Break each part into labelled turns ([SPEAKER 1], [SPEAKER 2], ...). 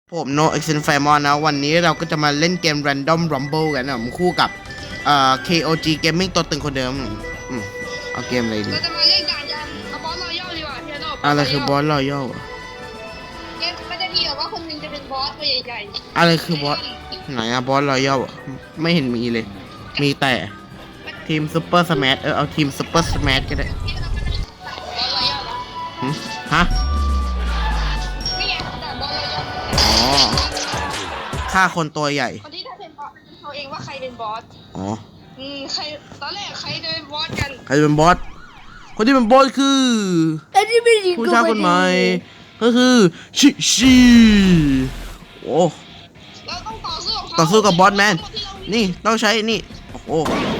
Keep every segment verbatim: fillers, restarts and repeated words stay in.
[SPEAKER 1] ผมโนเอ็กเซนไฟมอนนะวันนี้เราก็จะมาเล่นเกม Random Rumble กันนะผมคู่กับเอ่อ เค โอ จี Gaming ตัวตึงคนเดิมอืมเอาเกมอะไรดี
[SPEAKER 2] เราจะมาเล่นด่านยันเอาบอสรอยัลดีกว่าพี่โน่
[SPEAKER 1] อะไรคือบอสรอยัล
[SPEAKER 2] เกมมันจะมีแบบว่าคนหนึงจะเป็นบอสตัวใหญ่ๆ
[SPEAKER 1] อะไรคือบอสไหนอะบอสรอยัลไม่เห็นมีเลย มีแต่ทีมซูเปอร์สแมชเออเอาทีมซูเปอร์สแมชก็ได้
[SPEAKER 2] บอสรอยัลนะ
[SPEAKER 1] หึฮะ
[SPEAKER 2] นี่ไงด่านบอสรอยัล
[SPEAKER 1] อ๋อฆ่าคนตัวใหญ่
[SPEAKER 2] คนที่ได้เป็นบอสเขาเองว่าใครเป็นบอส
[SPEAKER 1] อ๋อ
[SPEAKER 2] อืมใครตอนแรกใครจะเป็นบอสกัน
[SPEAKER 1] ใครจะเป็นบอสคนที่เป็นบอสคือ
[SPEAKER 2] อันนี้ไม่ดี
[SPEAKER 1] ผู้ชายคนใหม่ก็คือชิชิโอ้
[SPEAKER 2] เราต้องต่อสู้กับเขา
[SPEAKER 1] ต่อสู้กับบอสแมน นี่ต้องใช้นี่ โอ้โห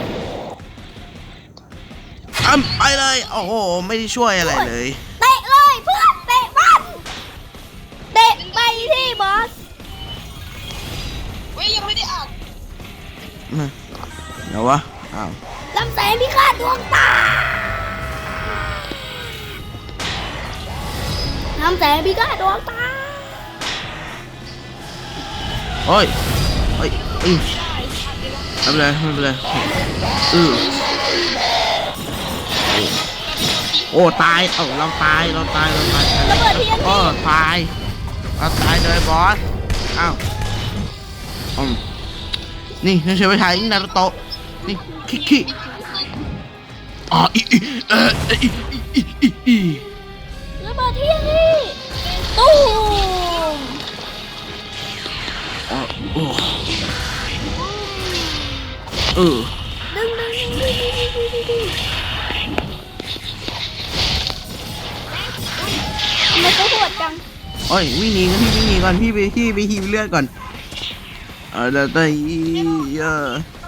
[SPEAKER 1] อ้ำไปเลย โอ้โห ไม่ได้ช่วยอะไรเลย
[SPEAKER 3] เตะเลยเพื่อนเตะมันเตะไปที่บอส
[SPEAKER 2] เว้ยยังไม่ได้อ่าน
[SPEAKER 1] เดี๋ยววะ อ้าว
[SPEAKER 3] ลำแสงพิฆาตดวงตาลำแสงพิฆาตดวงตา
[SPEAKER 1] โอ้ยโอ้ยอือไม่เป็นไรไม่เป็นไรอือโอ้ตาย เอ้าเราตาย เราตาย เราตาย
[SPEAKER 3] ระเบิดที
[SPEAKER 1] โอ้ตาย เราตายเลยบอส อ้าวอืมนี่นี่ใช้ไปถ่ายนารูโตะนี่คิคิอ๋ออีอีเอออีอีอีอี
[SPEAKER 3] ระเบิดทีนี่ตู้ม
[SPEAKER 1] อ๋อโอ้เออ
[SPEAKER 3] ดึงดึงดึงดึงดึงดึงดึงดึงทำไมเขาโหดจัง
[SPEAKER 1] โอ้ยวิ่งหนีกันพี่วิ่งหนีก่อนพี่ไปพี่ไปฮีบเลือดก่อนเออแต่แต่เออ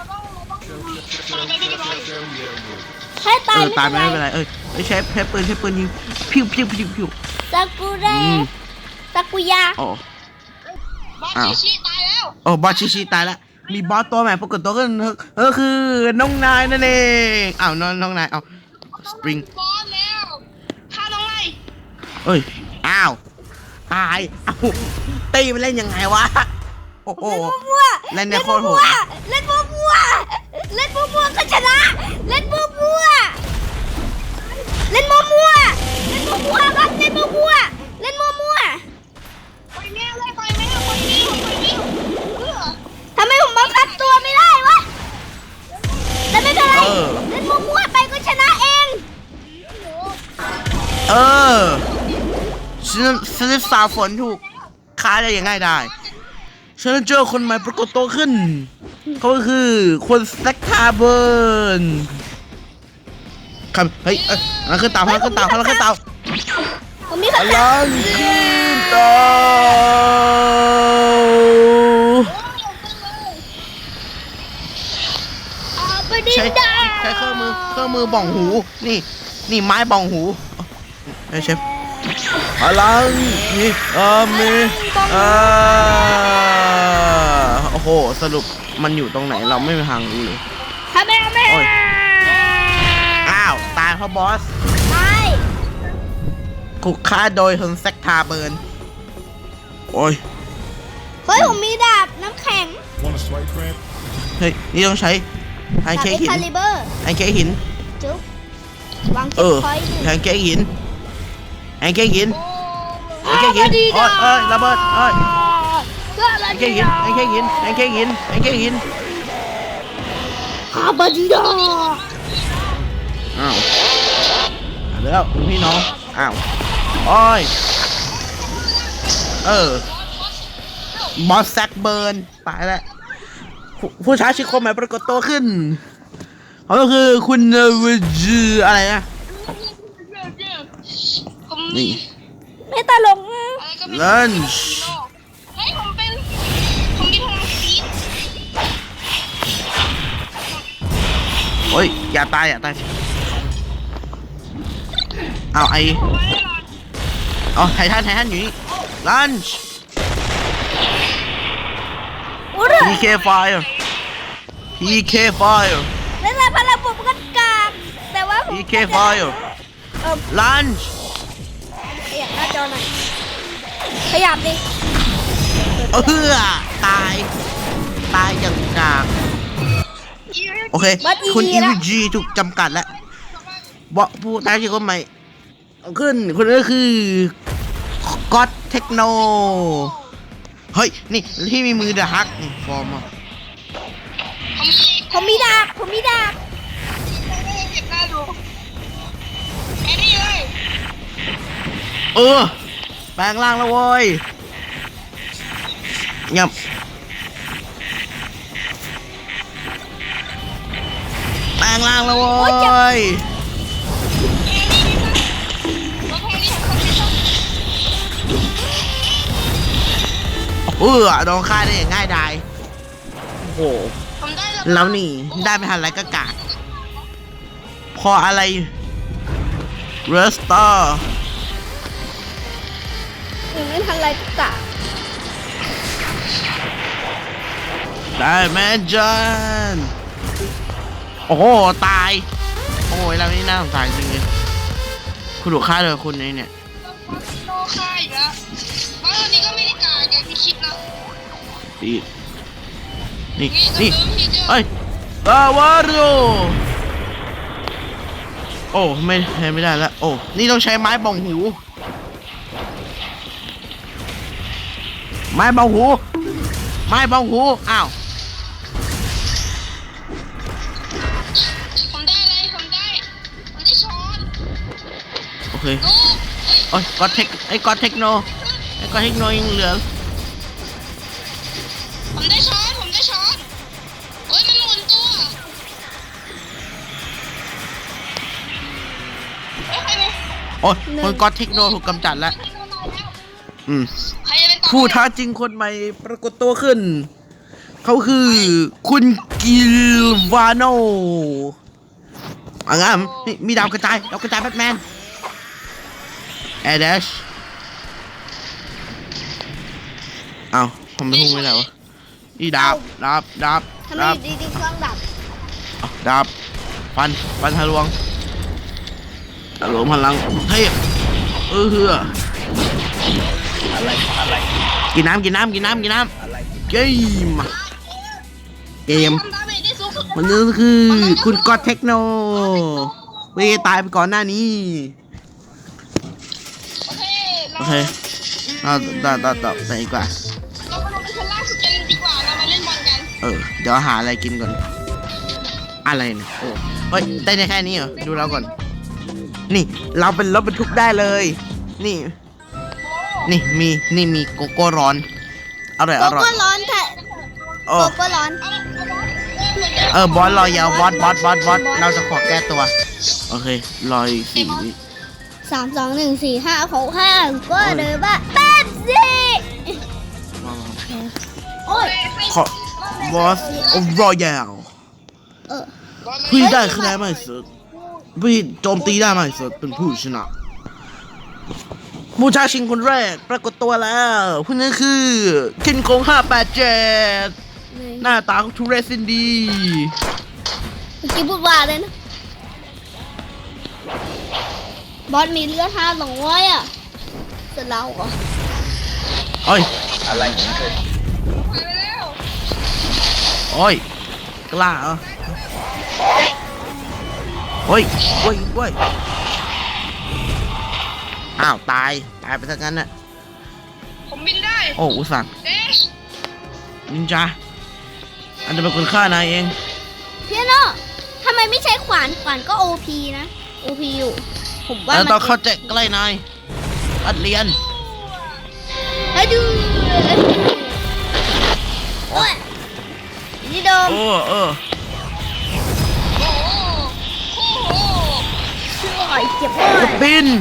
[SPEAKER 3] ให้ตา
[SPEAKER 1] เอย อตายไม่เป็นไรเอ้ยใช้ใช้ปืนใช้ปืนยิงพิวพิวพิวพิว
[SPEAKER 3] ซากุเระ
[SPEAKER 1] อืม
[SPEAKER 3] ซากุยะ
[SPEAKER 1] อ๋อบ
[SPEAKER 2] อส
[SPEAKER 1] อ้าว
[SPEAKER 2] ชิชิตายแล้ว
[SPEAKER 1] โอ้บอสชิชิตายละมีบอสตัวใหม่ปรากฏตัวขึ้นเออคือน้องนายนั่นเองอ้าวน้องน้องนายเอาสปริง
[SPEAKER 2] บอสแล้วฆ่าน้องไล่
[SPEAKER 1] เอ้ยอ้าวตายเอ้าตีมันเล่นยังไงวะโอ้โห
[SPEAKER 3] มั่ว
[SPEAKER 1] เล่นเนี่ยโคตรโหด
[SPEAKER 3] เล่นมั่วๆเล่นมั่วๆก็ชนะ เล่นมั่วๆเล่นมั่วๆเล่นมั่วๆครับเล่นมั่วๆเล่นมั่ว
[SPEAKER 2] ไปแม่เลยไปแม่ไปแม่ไปแม่เพื่อ
[SPEAKER 3] ๆทำไมผมบังคับตัวไม่ได้วะแต่ไม่เป็นไรเล่นมั่วๆไปก็ชนะเอง
[SPEAKER 1] เออฉันฉันจะสาฝนถูกค้าได้ยังไงได้ฉันเจอคนใหม่ปรากฏตัวขึ้นเขาก็คือคนสแต็กคาร์เบิร์นครับเฮ้ยเอ้ยพลังขึ้นเตาพลังขึ้นเตาพลังขึ้นเตา
[SPEAKER 3] ผมมี
[SPEAKER 1] พ
[SPEAKER 3] คำถา
[SPEAKER 1] ลั
[SPEAKER 3] ม
[SPEAKER 1] งขึ้นเตา
[SPEAKER 3] อาบดิน
[SPEAKER 1] ใช้
[SPEAKER 3] ดา
[SPEAKER 1] ใช้เครื่องมือเครื่องมือบ่องหูนี่นี่ไม้บ่องหูไอ้เชฟพลังนี่เออมีเออโอ้โหสรุปมันอยู่ตรงไหนเราไม่มีทางรู้เลย
[SPEAKER 3] ทำไมทำไม
[SPEAKER 1] โอ้ย อ้าวตายเพราะบอส
[SPEAKER 3] ใช่
[SPEAKER 1] ถูกฆ่าโดยคนแซกทาเบิร์นโอ้ย
[SPEAKER 3] เฮ้ยผมมีดาบน้ำแข็ง
[SPEAKER 4] Want a swipe cramp?
[SPEAKER 1] เฮ้ยนี่ต้องใช้แพน
[SPEAKER 3] ดาบ
[SPEAKER 1] เค้ก
[SPEAKER 3] เอ็ก
[SPEAKER 1] หิน
[SPEAKER 3] คาลิเบอร์
[SPEAKER 1] แพนเค้กหิน
[SPEAKER 3] จุ๊บวาง
[SPEAKER 1] เอ
[SPEAKER 3] เก็บ
[SPEAKER 1] อ
[SPEAKER 3] พอยต์หนึ่ง
[SPEAKER 1] แพนเค้กหินแพนเค้กหิน
[SPEAKER 2] โอ้
[SPEAKER 1] แพนเค้กหินโอ้ยเอ้ยระเบิดเอ้ย
[SPEAKER 3] เพื่ออะไร
[SPEAKER 1] แพนเค้กหินแพนเค้กหินแพนเค้กหินแพนเค้กหิน
[SPEAKER 3] ฮาบาดิดา
[SPEAKER 1] อ้าวเอาแล้วพี่น้องอ้าวโอ้ยเออบอสแซกเบิร์นตายแล้วผู้ผู้ชายชื่อคนใหม่ปรากฏตัวขึ้นเขาก็คือคุณเวจืออะไรนะ
[SPEAKER 2] ผม
[SPEAKER 1] นี่
[SPEAKER 3] ไม่ตลกนะ
[SPEAKER 2] อะไรก็ไม่
[SPEAKER 1] ลันช์
[SPEAKER 2] เฮ้ยผมเป็นผมมีพลังฟีด
[SPEAKER 1] โอ้ยอย่าตายอย่าตายเอาไออ๋อไททันไททันอยู่นี่ลันช์
[SPEAKER 3] อุ้ย
[SPEAKER 1] พี เค Fire พี เค Fire
[SPEAKER 3] เล่นอะไรพลังผมก็กากแต่ว่าผม
[SPEAKER 1] พี เค Fire
[SPEAKER 3] เออ
[SPEAKER 1] ลันช์
[SPEAKER 3] ขยับหน้าจอหน่อยขยับดิ
[SPEAKER 1] เออตายตายอย่างกากโอเคคุณอีวีจีถูกจำกัดแล้วบอกผู้ท้าชิงคนใหม่ขึ้นคนนี้คือก็อตเทคโนเฮ้ยนี่ที่มีมือเดอะฮักฟอร์มอ่ะ
[SPEAKER 3] ผมมีดาบผมมีดาบ
[SPEAKER 2] เก็บหน้าดูแค่นี้เลย
[SPEAKER 1] เออแปลงร่างแล้วเว้ยเงียบแปลงร่างแล้วเว้ย
[SPEAKER 2] แล้วแค่นี้คนที่ชอบ
[SPEAKER 1] เออโดนฆ่าได้อย่างง่ายดายโอ้โห
[SPEAKER 2] ผมได้แล้ว
[SPEAKER 1] แล้วนี่ได้ไม่ทันไรก็กากพออะไรเรสเตอร์
[SPEAKER 3] ยังไม่ทันไรก็กะ
[SPEAKER 1] ได้แมนจันโอ้โหตายโอ้ยเรานี่น่าสงสารจริงเลยคุณถูกฆ่าเลยคุณนี่เนี่ย
[SPEAKER 2] โลค่าอีกแล้วบ้านนี้ก็ไม่ได้กาอย่างที่คิดนะ
[SPEAKER 1] นี่นี่
[SPEAKER 2] นี่
[SPEAKER 1] นี่
[SPEAKER 2] ก็คือพี่เจ้า
[SPEAKER 1] เฮ้ยกาวาโรโอ้ไม่ไม่ได้แล้วโอ้นี่ต้องใช้ไม้บองหู ไม้บองหู ไม้บองหูอ้าว
[SPEAKER 2] ผมได้อะไรผมได้ผมได้ช้อน
[SPEAKER 1] โอเค
[SPEAKER 2] ลูกเอ้ย
[SPEAKER 1] โอ้ยก็เทคไอ้ก็เทคโนไอ้ก็เทคโนยังเหลือ
[SPEAKER 2] ผมได้ช้อนผมได้ช้อนเฮ้ยมันหมุนตัวเฮ้ยใครเนี่ย
[SPEAKER 1] โอ้ยคนก็เทคโนถูกกำจัดแล้ว อืม
[SPEAKER 2] ใครจะเป็นต่อ
[SPEAKER 1] ผู้ท้าจริงคนใหม่ปรากฏตัวขึ้น เขาคือคุณกิลวาโนอ่ะงั้นมีมีดาวกระจายดาวกระจายแบทแมนแอร์เดชเอ้าผมไม่พูดไม่ได้วะนี่ดาบดาบดาบ
[SPEAKER 3] ทำไม
[SPEAKER 1] ดาบ
[SPEAKER 3] ดีดีๆเครื่องดับ
[SPEAKER 1] เอาดาบฟันฟันทะลวงทะลวงพลังเทพเออเฮือกินน้ำกินน้ำกินน้ำกินน้ำเกมเกม
[SPEAKER 2] ทำดาเมจได้สูงสุด
[SPEAKER 1] มันนี่คือคุณก็อตเทคโนเวยตายไปก่อนหน้านี้
[SPEAKER 2] โอเค
[SPEAKER 1] โอเคเราต่อต่อต่อไปดีกว่า
[SPEAKER 2] เราไปลงไปชั้นล่างสุดกันดีกว่าเรามาเล่นบอลกัน
[SPEAKER 1] เออ เดี๋ยวหาอะไรกินก่อน อะไรเนี่ยโอ้เฮ้ย ได้แค่นี้เหรอ ดูเราก่อน นี่ เราเป็นรถบรรทุกได้เลย นี่ นี่ มี นี่มีโกโก้ร้อน อร่อย
[SPEAKER 3] โก
[SPEAKER 1] อร่อย
[SPEAKER 3] โก้ร้อนแท้
[SPEAKER 1] โอ้
[SPEAKER 3] โกโก้ร้อน
[SPEAKER 2] เอาเอาบอลเออเหมือนเดิม
[SPEAKER 1] เออบอสรอยาวบอสบอสบอสบอสเราจะขอแก้ตัว โอเค รออีกสี่วิ
[SPEAKER 3] สามสองหนึ่งสี่ห้าหกห้าก็เดินบ้าแป๊บสิโอ้ย
[SPEAKER 1] ขอบอสรอยาว
[SPEAKER 3] เออ
[SPEAKER 1] พี่ได้คะแนนมากที่สุดพี่โจมตีได้มากที่สุดเป็นผู้ชนะผู้ท้าชิงคนแรกปรากฏตัวแล้วผู้นั้นคือคินโคงห้าแปดเจ็ดหน้าตาของทุเรศสินดี
[SPEAKER 3] เมื่อกี้พูดว่าเลยนะ บอสมีเลือดห้าสองร้อยอ่ะเสร็จแล้วเหรอ
[SPEAKER 1] โอ้ย
[SPEAKER 4] อะไรของเธอ
[SPEAKER 2] ไปแล้ว
[SPEAKER 1] โอ้ยกล้าเหรอโอ้ยโอ้ยโอ้ยอ้าวตายตายไปซะงั้นน่ะ
[SPEAKER 2] ผมบินได้
[SPEAKER 1] โอ้อุตส่าห์
[SPEAKER 2] เดช
[SPEAKER 1] นินจาอันจะเป็นคนฆ่านายเอง
[SPEAKER 3] เพียโนทำไมไม่ใช้ขวานขวานก็โอพีนะ โอพีอยู่ ผมว่า
[SPEAKER 1] แล้ว
[SPEAKER 3] มัน
[SPEAKER 1] ต้องเข้าใจใกล้นายอัดเรียน
[SPEAKER 3] ให้ดูโอ้ยนี่โดม
[SPEAKER 1] โอ้เออ
[SPEAKER 2] โอ้โหโอ้โห
[SPEAKER 3] ช่วยเจ็บมาก
[SPEAKER 1] บิน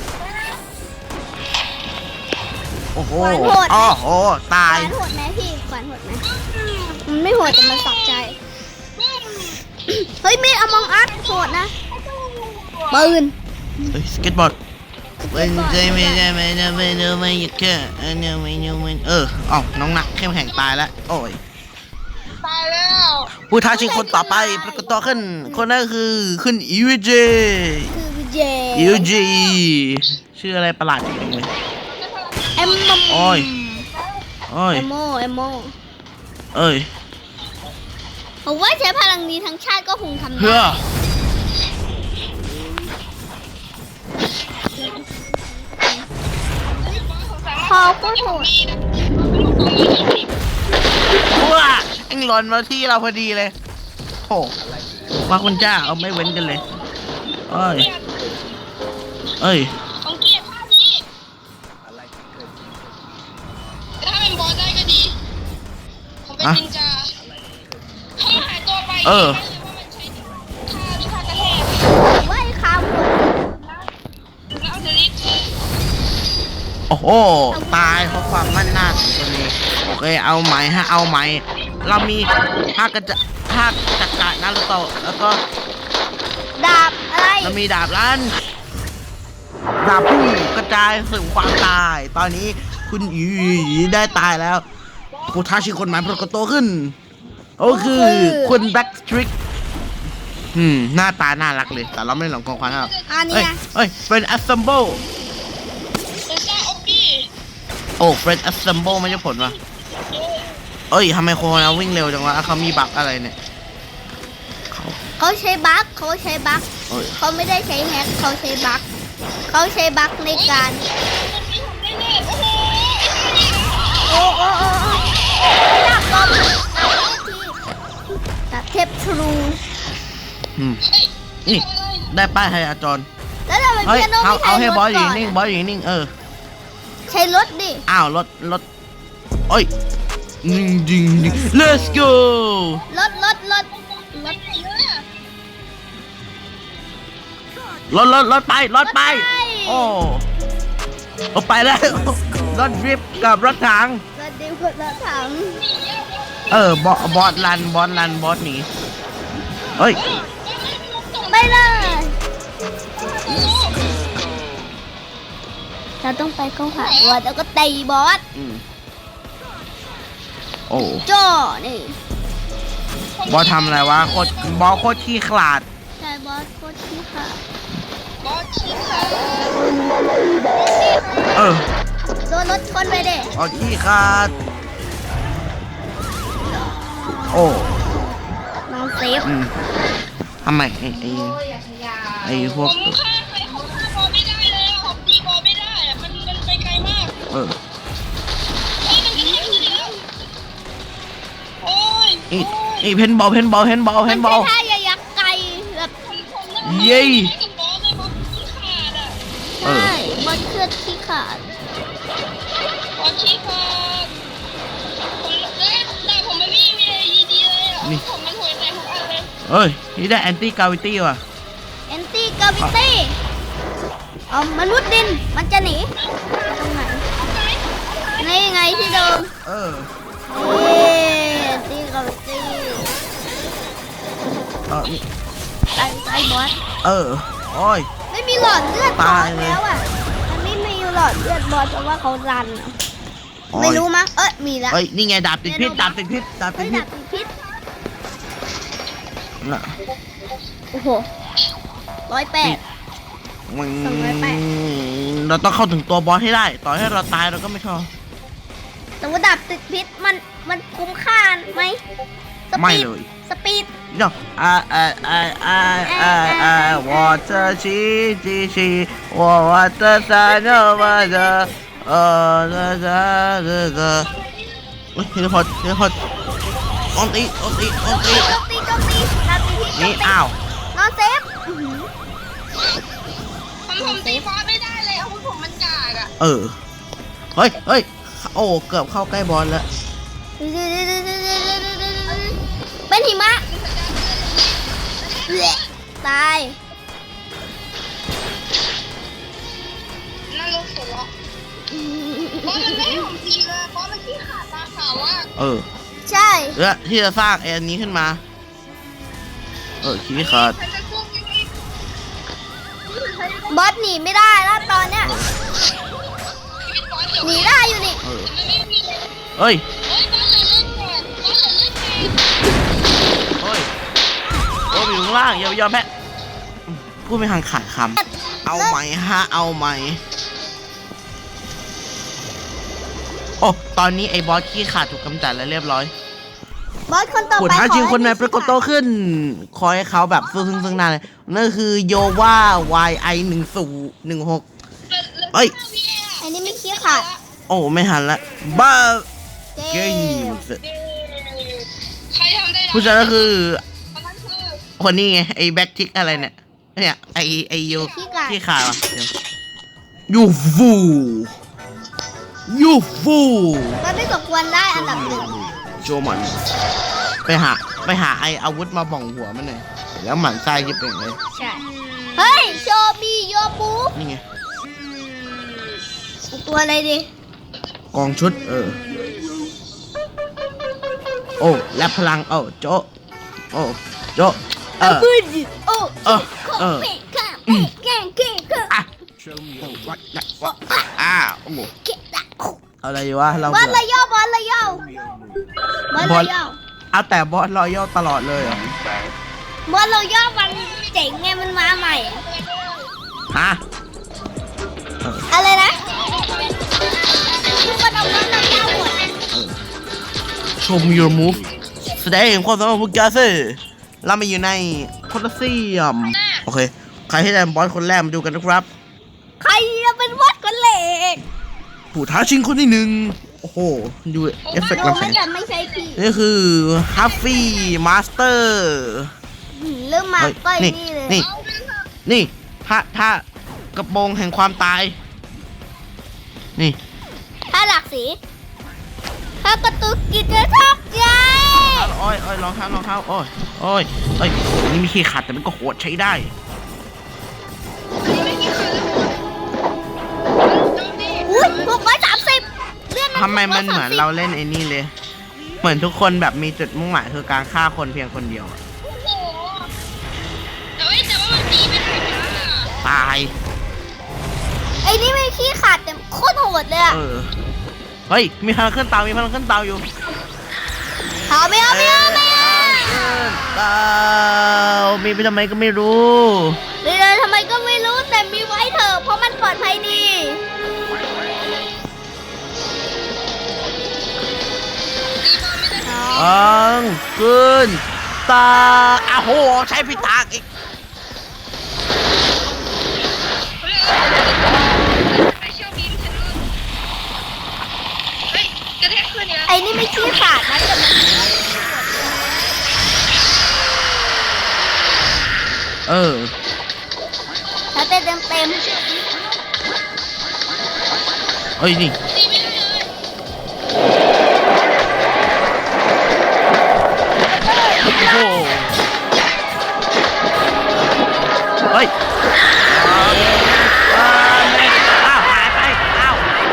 [SPEAKER 1] โอ้โห
[SPEAKER 3] ขวานโหด
[SPEAKER 1] อ๋อโห ตา
[SPEAKER 3] ขวาย นโหดไหมพี่ขวานโหดไหมมันไม่โหดแต่มันสับใจ เฮ้ยมีดอมองอัดโหดนะปืน
[SPEAKER 1] เฮ้ยสเก็ตบอร์ดเป็นใจไม่ได้ไม่ได้ไม่ได้ไม่อยากแค่อันนี้ไม่ยอมเออเอ้าน้องหนักเข้มแข็งตายแล้ว โอ้ย
[SPEAKER 2] ตายแล้ว
[SPEAKER 1] ผู้ท้าชิงคนต่อไปปรากฏตัวขึ้น คนนั้นคือขึ้นอีวเจ
[SPEAKER 3] คือเจ
[SPEAKER 1] อีวเจชื่ออะไรประหลาดจริงเลย
[SPEAKER 3] เอ็มมัม
[SPEAKER 1] โอ้ยโอ้ย
[SPEAKER 3] เอโมเอโม
[SPEAKER 1] เอ้ย
[SPEAKER 3] ผมว่าใช้พลังนี้ทั้งชาติก็คงทำ
[SPEAKER 1] เพื่
[SPEAKER 3] ได้
[SPEAKER 1] อ
[SPEAKER 3] พอก็โหด
[SPEAKER 1] ว้าเอ็งหล่นมาที่เราพอดีเลยโอ้ว่าคุณจ้าเอาไม่เว้นกันเลยเอ้ยเอ้ย
[SPEAKER 2] ของเกียร์ภาพนี้ถ้าเป็นบอสได้ก็ดีผมเป็นนินจาถ้าหายตัวไป
[SPEAKER 1] เออ
[SPEAKER 2] ว่ามันใช้ค่าค่ากระแทก
[SPEAKER 3] ไว้คาว
[SPEAKER 2] แล้วเอาเดลิท
[SPEAKER 1] โอ้โหตายเพราะความมั่นหน้าของตัวนี้โอเคเอาไหมฮะเอาไหมเรามีภาคกระจะภาคจักรนารุโตะแล้วก็
[SPEAKER 3] ดาบอะไร
[SPEAKER 1] เรามีดาบลันดาบพุ่งกระจายสู่ความตาย ตอนนี้คุณอีได้ตายแล้วผู้ท้าชิงคนใหม่ปรากฏตัวขึ้นโอ้คือคุณแบ็กสตริกอืมหน้าตาน่ารักเลยแต่เราไม่หลงกองควันครับ
[SPEAKER 3] อันนี้
[SPEAKER 1] เอ้ย
[SPEAKER 3] นะ
[SPEAKER 1] เอ้ยเป็น assemble
[SPEAKER 2] เป็นซ่าออบบี้
[SPEAKER 1] โอ้เป็น assemble ไม่ใช่ผลวะเอ้ยทำไมโคนาวิ่งเร็วจังวะเขามีบั๊กอะไรเนี่ยเขา
[SPEAKER 3] เขาใช้บั๊กเขาใช้บั๊ก
[SPEAKER 1] เอ้ย
[SPEAKER 3] เขาไม่ได้ใช้แฮกเขาใช้บั๊กเขาใช้บั๊กในการ
[SPEAKER 2] ตรงนี้ผมได้เลยโอ้โหไอ้ท่านี้
[SPEAKER 3] โอ้โอ้โอ้โอ้ดาบลมดาบเทพทรู
[SPEAKER 1] อืม
[SPEAKER 2] เฮ้ย
[SPEAKER 1] นี่
[SPEAKER 2] อะไร
[SPEAKER 1] ได้ป้ายไฮอาจร
[SPEAKER 3] แล้วเราไป
[SPEAKER 1] เฮ้ย
[SPEAKER 3] เพียโน
[SPEAKER 1] เอา
[SPEAKER 3] ไม่
[SPEAKER 1] เอา
[SPEAKER 3] ใช้
[SPEAKER 1] ให้
[SPEAKER 3] รถ
[SPEAKER 1] บอสอยู่
[SPEAKER 3] ก่อน
[SPEAKER 1] นิ่งบอสอยู่นิ่งเออ
[SPEAKER 3] ใช้รถดิ
[SPEAKER 1] อ้าวรถรถโอ้ยดึงดึงดึง let's go
[SPEAKER 3] รถรถรถร
[SPEAKER 2] ไป
[SPEAKER 3] ถ
[SPEAKER 2] ไหนเลยอะ
[SPEAKER 1] รถรถรถไปรถไป โอ้โอ้ไปแล้วรถดริฟต์กับรถถัง
[SPEAKER 3] รถดิวรถถัง
[SPEAKER 1] เออบอสบอสลันบอสลันบอสหนีเฮ้ย
[SPEAKER 3] ไปเลยเราต้องไปเข้าหาบอสแล้วก็ตีบอส
[SPEAKER 1] อืมโอ้
[SPEAKER 3] จ่อนี่
[SPEAKER 1] บอสทำอะไรวะโคตรบอสโคตรขี้ขลาด
[SPEAKER 3] ใช่บอสโคตรที่ค่ะ
[SPEAKER 2] บอสชี้ขาด
[SPEAKER 1] เออ
[SPEAKER 3] โดนรถชนไปเด้
[SPEAKER 1] บอสขี้ขลาดโอ้
[SPEAKER 3] น้องเซฟ
[SPEAKER 1] อืมทำไมไอ้ไอ้ไอ้พ
[SPEAKER 2] ผ
[SPEAKER 1] วก
[SPEAKER 2] มฆ่าใครผมฆ่าบอสไม่ได้เลยอะผมตีบอสไม่ได้อะมันมันไปไกลมาก
[SPEAKER 1] เออ
[SPEAKER 2] เฮ้ยมันกระแทกอยู่แล้วโอ้ย
[SPEAKER 1] อีอีเพนบอลเพนบอลเพนบอลเพ
[SPEAKER 3] มัน
[SPEAKER 1] นบอ
[SPEAKER 3] ใช้
[SPEAKER 1] ล
[SPEAKER 3] ท่ายักษ์ไก่แบบ
[SPEAKER 2] ผมผมนั่ง
[SPEAKER 1] เย้
[SPEAKER 2] กับบอสเลยบอสชี้ขาดอะ
[SPEAKER 1] เออ
[SPEAKER 3] ใช่บอสเคลื่อนที่ขาด
[SPEAKER 2] บอสชี้ขาดผมเอ้ยแต่ผมไม่มีมีอะไรดีๆเลยอะผมมันห่วยใจทุกอันเลย
[SPEAKER 1] เอ้ยนี่ได้แอนตี้กราวิตี้ว่ะ
[SPEAKER 3] แอนตี้กราวิตี้เอามนุษย์ดินมันจะหนีตรงไหนนี่ไงที่เดิม
[SPEAKER 1] เออ
[SPEAKER 3] นี่แอนตี้กราวิตี้
[SPEAKER 1] เออนี่
[SPEAKER 3] ตายตายบอส
[SPEAKER 1] เออโอ้ย
[SPEAKER 3] ไม่มีหลอดเลือดบอ
[SPEAKER 1] ตาย
[SPEAKER 3] ส
[SPEAKER 1] เลย
[SPEAKER 3] แล้วอ่ะมันไม่มีหลอดเลือดบอสเพราะว่าเขารันอะ
[SPEAKER 1] โอ้ย
[SPEAKER 3] ไม่รู้มั้งเอ้ยมีแล้ว
[SPEAKER 1] เอ้ยนี่ไงดาบติดพิษดาบติดพิษดาบติ
[SPEAKER 3] เฮ้
[SPEAKER 1] ด
[SPEAKER 3] ย
[SPEAKER 1] พิษ
[SPEAKER 3] ดาบติดพิษ
[SPEAKER 1] น่ะ
[SPEAKER 3] โอ้โหร้อยแปด
[SPEAKER 1] มึง
[SPEAKER 3] สองร้อยแปด
[SPEAKER 1] เราต้องเข้าถึงตัวบอสให้ได้ ต่อให้เราตายเราก็ไม่ชอบ
[SPEAKER 3] แต่ว่าดาบติดพิษมันมันคุ้มค่าไหมส
[SPEAKER 1] ไม่
[SPEAKER 3] ปีด
[SPEAKER 1] เลย
[SPEAKER 3] สปีด
[SPEAKER 1] เนาะอ่าอ่าอ่าอ่าอ่าอ่าวอเตอร์ชีชีชีวอเตอร์ซาโนวาเดอเออเดอเดอเดอเดอเฮ้ยเฮลิคอปเฮลิคอปออนตีออนตีออนตี
[SPEAKER 3] โจมตีโจมตีดาบติดพิษโจม
[SPEAKER 1] นี่
[SPEAKER 3] ตี
[SPEAKER 1] อ้าวน
[SPEAKER 3] อนเซฟอื้อหือ
[SPEAKER 2] ผมผมตีบอสไม่ได้เลยอาวุธผมมันกากอะ
[SPEAKER 1] เออเฮ้ยเฮ้ยโอ้เกือบเข้าใกล้บอลแล้ว
[SPEAKER 3] เป็นหิมะตาย
[SPEAKER 2] นั่นรถหัวเราะบอสมันไม่ให้ผมตีเลยบอสมันขี้ขาดตาขาวมาก
[SPEAKER 1] เออ
[SPEAKER 3] ใช่
[SPEAKER 1] แล้วที่จะสร้างแอนนี้ขึ้นมา เออขี้ขาด
[SPEAKER 2] ใครจะสู้ยังไง
[SPEAKER 3] บอสหนีไม่ได้แล้วตอนเนี้ย
[SPEAKER 2] ชีวิตบอสเดี๋ยว
[SPEAKER 3] หนีได้อยู่นี่
[SPEAKER 1] เออ
[SPEAKER 2] มันไม่มี
[SPEAKER 1] เฮ้ย
[SPEAKER 2] เฮ้ยบอสเหลือเลือดแตกบอสเหลือเลือดแตก
[SPEAKER 1] เฮ้ยโอ้ยอยู่ข้างล่างอย่าไปยอมแพ้พูดไม่ทันขาดคำเอาไหมฮะเอาไหมโอ้ตอนนี้ไอ้บอสขี้ขาดถูกกำจัดแล้วเรียบร้อย
[SPEAKER 3] บอสคนต่อ
[SPEAKER 1] ผู้
[SPEAKER 3] ไป
[SPEAKER 1] ท้าชิง
[SPEAKER 3] ขอให้
[SPEAKER 1] คนใหม่ปรากฏตัว
[SPEAKER 3] มี
[SPEAKER 1] ขึ้น คอยให้เขาแบบซึ่งซึ่งซึ่งหน้าเลยนั่นคือโยวา วาย ไอ หนึ่ง ศูนย์ หนึ่ง หก เอ้ย
[SPEAKER 3] อันนี้ไม่ขี้ขาด
[SPEAKER 1] โอ้ ไม่หันละบ้า
[SPEAKER 3] เก
[SPEAKER 1] เก
[SPEAKER 3] ม
[SPEAKER 1] ม
[SPEAKER 2] ใครทำได้
[SPEAKER 1] ผู้ชายก็คือ
[SPEAKER 2] คนนั้นคือ
[SPEAKER 1] คนนี้ไง ไอ้แบ็คทิกอะไรเนี่ย เนี่ย ไอ้ไอ้โย
[SPEAKER 3] ขี้ขาด
[SPEAKER 1] ขี้ขาดวะเดี๋ยวยูฟูยูฟู
[SPEAKER 3] มันไม่สมควรได้อันดับหนึ่ง
[SPEAKER 1] โจมันไปหาไปหาไออาวุธมาบ่องหัวมันหน่อยแล้วหมันไส้ยิบเป่งเลย
[SPEAKER 3] ใช่ เฮ้ย โชบีโยบู
[SPEAKER 1] นี่ไง
[SPEAKER 3] ตัวอะไรดี
[SPEAKER 1] กองชุด เออ โอ้และพลังโอ้โจโอ้โจเออ
[SPEAKER 3] ปืนโอ้
[SPEAKER 1] เออเออ
[SPEAKER 3] เป๊ะข้ามเป๊ะแกงเก่งเก่ง
[SPEAKER 1] อ่ะโอ้วัดนะวัดอ้าโอ้โห
[SPEAKER 3] เก่งอะ
[SPEAKER 1] อะไรวะเรา
[SPEAKER 3] บอล
[SPEAKER 1] เบื่
[SPEAKER 3] ระ
[SPEAKER 1] อย
[SPEAKER 3] อบอลระยอบอลระยอ
[SPEAKER 1] เอาแต่บอสรอยัลตลอดเลยเหรอบ
[SPEAKER 3] อลระยอมันเจ๋งไงมันมาใหม่อะ
[SPEAKER 1] ฮะ
[SPEAKER 3] อะไรนะทุกคนเอาบอลระยอหมด
[SPEAKER 1] ชม your move แสดงเห็นความสามารถของพวกแกสิเรามาอยู่ในโคลอสเซียมโอเค ใครที่ได้บอสคนแรกมาดูกันนะครับ
[SPEAKER 3] ใครจะเป็นบอสคนเหล็ก
[SPEAKER 1] ผู้ท้าชิงคนที่หนึ่งโอ้โห ดูเอฟเฟกต์
[SPEAKER 3] ดู
[SPEAKER 1] ลำแส
[SPEAKER 3] ไม่
[SPEAKER 1] ง
[SPEAKER 3] แต่ไม่ใช่พี่
[SPEAKER 1] นี่คือฮัฟฟี่มาสเตอร์
[SPEAKER 3] หืมเริ่มมาก็
[SPEAKER 1] นี่
[SPEAKER 3] นี่เลย
[SPEAKER 1] นี่ นี่ถ้าถ้ากระโปรงแห่งความตาย นี่
[SPEAKER 3] ถ้าหลากสีถ้าประตูกิจจะชอบใจ
[SPEAKER 1] โอ้ยโอ้ยรองเท้ารองเท้าโอ้ยโอ้ยเอ้ยนี่มีขี้ขัดแต่มันก็โหดใช้ได้
[SPEAKER 3] อุ้ยหกร้อยสามสิบเลื่อน
[SPEAKER 1] ทำไมมันเหมือนเราเล่นไอ้นี่เลย เหมือนทุกคนแบบมีจุดมุ่งหมายคือการฆ่าคนเพียงคนเดียวอะ
[SPEAKER 2] โอ้โหแต่ว่าแต่ว่ามันตีไม่ได้นะ
[SPEAKER 1] ตาย
[SPEAKER 3] ไอ้นี่ไม่ขี้ขาดแต่โคตรโหดเลยอะ
[SPEAKER 1] เออ เฮ้ย มีพลังขึ้นเตา มีพลังขึ้นเตาอยู่
[SPEAKER 3] เอาไม่เอาไม่เอาไม่เอา
[SPEAKER 1] เตามีไปทำไมก็ไม่รู้
[SPEAKER 3] เดี๋ยวทำไมก็ไม่รู้แต่มีไว้เถอะเพราะมันปลอดภัยดี
[SPEAKER 1] อังขึ้นตาอ้าวโห ใช้พิตากอีก
[SPEAKER 2] ไปเชี่ยวบีมฉันเลยเฮ้ยกระแทกขึ้นเนี่ย
[SPEAKER 3] ไอ้นี่ไม่ขี้ขาดนะแต่มัน
[SPEAKER 1] เออ
[SPEAKER 3] ถ้าเต็มเต็มเต็ม
[SPEAKER 1] เอ้ย นี่
[SPEAKER 2] ตีไม่ได้เลย
[SPEAKER 1] โอ้โห เฮ้ยอ้าวอ้าวหายไป อ้าว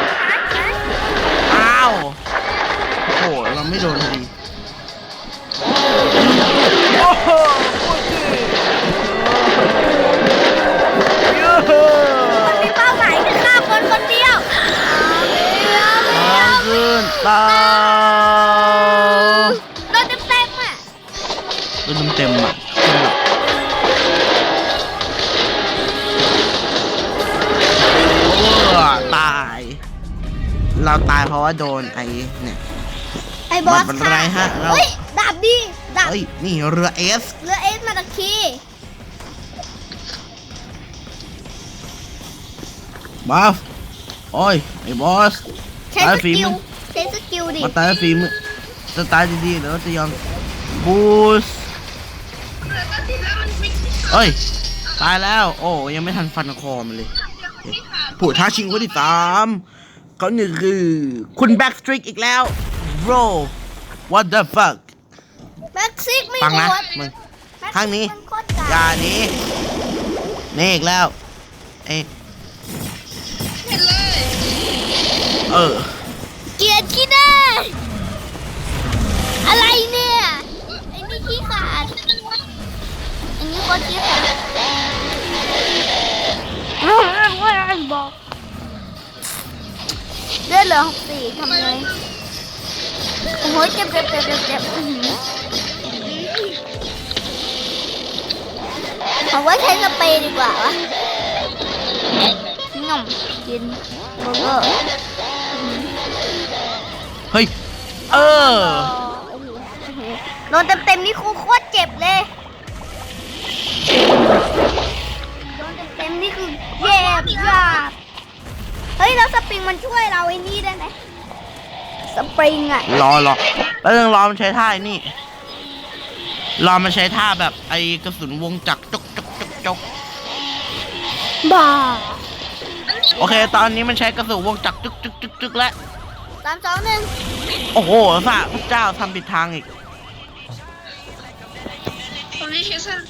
[SPEAKER 1] อ้าว โอ้โห เราไม่โดนพอดี โอ้โหยูฮู
[SPEAKER 3] มันมีเป้าหมายคือฆ่าคนคนเดียวเอาไม่เอาไม่เอา
[SPEAKER 1] ขึ้นเตา
[SPEAKER 3] โดนเต็มเต็มอ่ะ
[SPEAKER 1] โดนเต็มๆอ่ะโอ้ตาย เราตายเพราะว่าโดนไอ้เนี่ย
[SPEAKER 3] ไอ้บอส
[SPEAKER 1] มันเป็นไรฮะเรา
[SPEAKER 3] เฮ้ยดาบดีดาบ
[SPEAKER 1] เฮ้ย นี่เรือเอส
[SPEAKER 3] เรือเอสมาตะคี
[SPEAKER 1] บัฟโอ้ย ไอ้บอส
[SPEAKER 3] ใช้
[SPEAKER 1] ตาย
[SPEAKER 3] ส
[SPEAKER 1] ฝี
[SPEAKER 3] กิ
[SPEAKER 1] มื
[SPEAKER 3] ล
[SPEAKER 1] อ
[SPEAKER 3] ใช้สกิลดิ
[SPEAKER 1] มาตายฝีมือจะตายดีๆเดี๋ยวจะยอมบูส
[SPEAKER 2] แต่ตอนที่แล้วมันไม่ที่ขาด
[SPEAKER 1] เอ้ย ตายแล้ว โอ้ ยังไม่ทันฟันคอมันเลย
[SPEAKER 2] ที่ขาด
[SPEAKER 1] ผู้ท้าชิงคนที่สามเขาหนึ่งคือ คุณแบ็กสตริกอีกแล้ว bro what the fuck
[SPEAKER 3] แม็กซิกไม่
[SPEAKER 1] ฟัง
[SPEAKER 3] โห
[SPEAKER 1] นะ
[SPEAKER 3] ด
[SPEAKER 1] มึง
[SPEAKER 3] แม็กซิก
[SPEAKER 1] ข้างนี้
[SPEAKER 3] มัโคตรกาก
[SPEAKER 1] อย่าหนี้นี่อีกแล้วเอย
[SPEAKER 2] เห็นเลย
[SPEAKER 1] เออ
[SPEAKER 3] เกลียดขี้หน้าอะไรเนี่ยไอ้นี่ขี้ขาดอันนี้โคตรขี้ขาดบอกเลือดเหลือหกสี่ทำไงโอ้โหเจ็บเจ็บเจ็บเจ็บเจ็บอื้อหือผมว่าใช้สเปรย์ดีกว่าวะง่อมกินเบอร์เกอร์
[SPEAKER 1] เฮ้ยเออ
[SPEAKER 3] โดนเต็มๆนี่ครูโคตรเจ็บเลยโดนเต็มๆนี่คือเจ็บยากเฮ้ยแล้วสปริงมันช่วยเราไอ้นี่ได้ไหมสปริงอะ
[SPEAKER 1] รอรอแล้วยังรอมันใช้ท่าไอ้นี่รอมันใช้ท่าแบบไอกระสุนวงจักรจกจกจกจก
[SPEAKER 3] บ้า
[SPEAKER 1] โอเค ตอนนี้มันใช้กระสุนวงจักรจึกจึกจึกจึกแล้ว
[SPEAKER 3] สามสองหนึ่ง
[SPEAKER 1] โอ้โหพระพระเจ้าทำผิดทางอีก
[SPEAKER 2] ผมจะเช็คสัก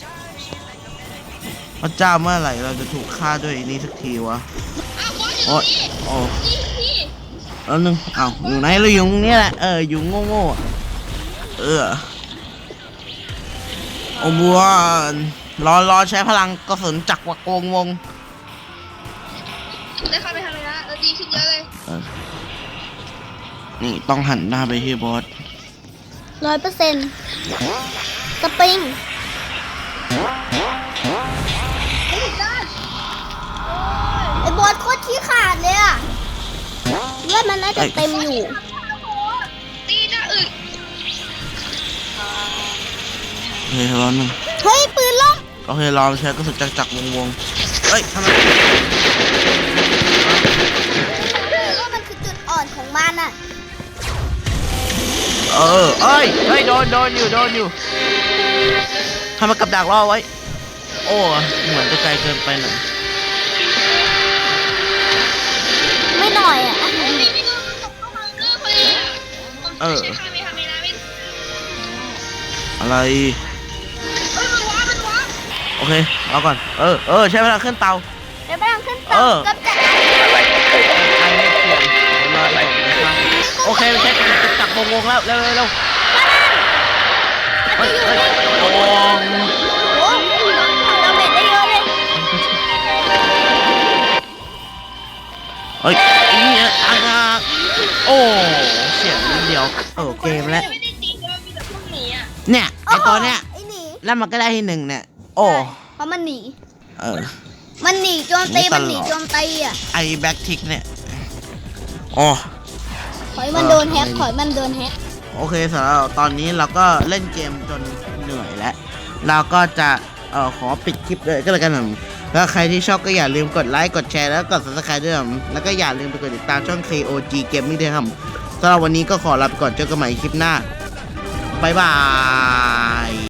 [SPEAKER 1] พระเจ้าเมื่อไหร่เราจะถูกฆ่าด้วยไอ้นี่สักทีวะ
[SPEAKER 2] อ้าวบอสอยู่
[SPEAKER 1] โอ้ย
[SPEAKER 2] นี่
[SPEAKER 1] โอ้
[SPEAKER 2] นี่พี่
[SPEAKER 1] แล้วนึงอ้าวอยู่ไหนเราอยู่ตรงนี้แหละเอออยู่โง่โง่ๆเออโอ้บัวรอรอใช้พลังกระสุนจักรวงวงวง
[SPEAKER 2] ได้เข้าไปทำไมนะเออดีขึ้นเยอะเลย
[SPEAKER 1] เออนี่ต้องหันหน้าไปที่บอส
[SPEAKER 3] ร้อยเปอร์เซ็นต์สปริงไอ้บอสโคตรขี้ขาดเลยอะเลือดมันน่าจะเต็มอยู่
[SPEAKER 2] ตีจะอึด
[SPEAKER 1] โอเครอหนึ่ง
[SPEAKER 3] เฮ้ยปืนล่ม
[SPEAKER 1] โอเครอใช้กระสุนจักรจักรวงวงเฮ้ยทำไม
[SPEAKER 3] ว่ามันคือจุดอ่อนของมันอะ
[SPEAKER 1] เออเอ้ยเฮ้ยโดนโดนอยู่โดนอยู่ทำไมกับดักรอไว้โอ้เหมือนจะไกลเกินไปหน่อย
[SPEAKER 3] ไม่หน่อยอะ
[SPEAKER 2] พี่พี่ก็ตกเข้ามาเจอพอดีผมจะใช้คาเมฮาเมนะไม่
[SPEAKER 1] อะไร
[SPEAKER 2] เออมันว้ามันว้า
[SPEAKER 1] โอเครอก่อนเออเออใช้เวลาขึ้นเตา
[SPEAKER 3] เดี๋ยวไปทางขึ้นต่
[SPEAKER 1] เอ
[SPEAKER 3] อ
[SPEAKER 1] อ
[SPEAKER 3] กับจักร
[SPEAKER 1] อันนี้เขียนรออะไรนะครับโอเคใช้กระสุนจักรวงวงแล้วเร็วเร็วเร็วเฮ้ยเฮ้ยโอ้
[SPEAKER 3] โอ้เราเบ็ดได้เยอะเลย
[SPEAKER 1] เฮ้ยนี่อ่ะโอ้เสียงนิดเดียวเออเกมแล้ว
[SPEAKER 2] ไม่ได้ตีเลยมีแต่พวกหนีอ่ะ
[SPEAKER 1] เนี่ยไอตัวเนี้ย
[SPEAKER 3] ไอ้หนี
[SPEAKER 1] แล้วมันก็ได้ที่หนึ่งเนี่ยโอ้
[SPEAKER 3] เพราะมันหนี
[SPEAKER 1] เออ
[SPEAKER 3] มันหนีโจมตี
[SPEAKER 1] หนีตลอด
[SPEAKER 3] มันหนีโจมตีอ่ะ
[SPEAKER 1] ไอแบ็กทิกเนี่ยโอ้
[SPEAKER 3] ขอยมันโดนแฮกขอยมันโดนแฮก
[SPEAKER 1] โอเคสำหรับตอนนี้เราก็เล่นเกมจนเหนื่อยแล้วเราก็จะเออขอปิดคลิปเลยก็แล้วกันนะแล้วใครที่ชอบก็อย่าลืมกดไลค์กดแชร์แล้วกด ซับสไครบ์ ด้วยนะแล้วก็อย่าลืมไปกดติดตามช่อง เค โอ จี Gaming ด้วยครับสำหรับวันนี้ก็ขอลาไปก่อนเจอกันใหม่คลิปหน้าบ๊ายบาย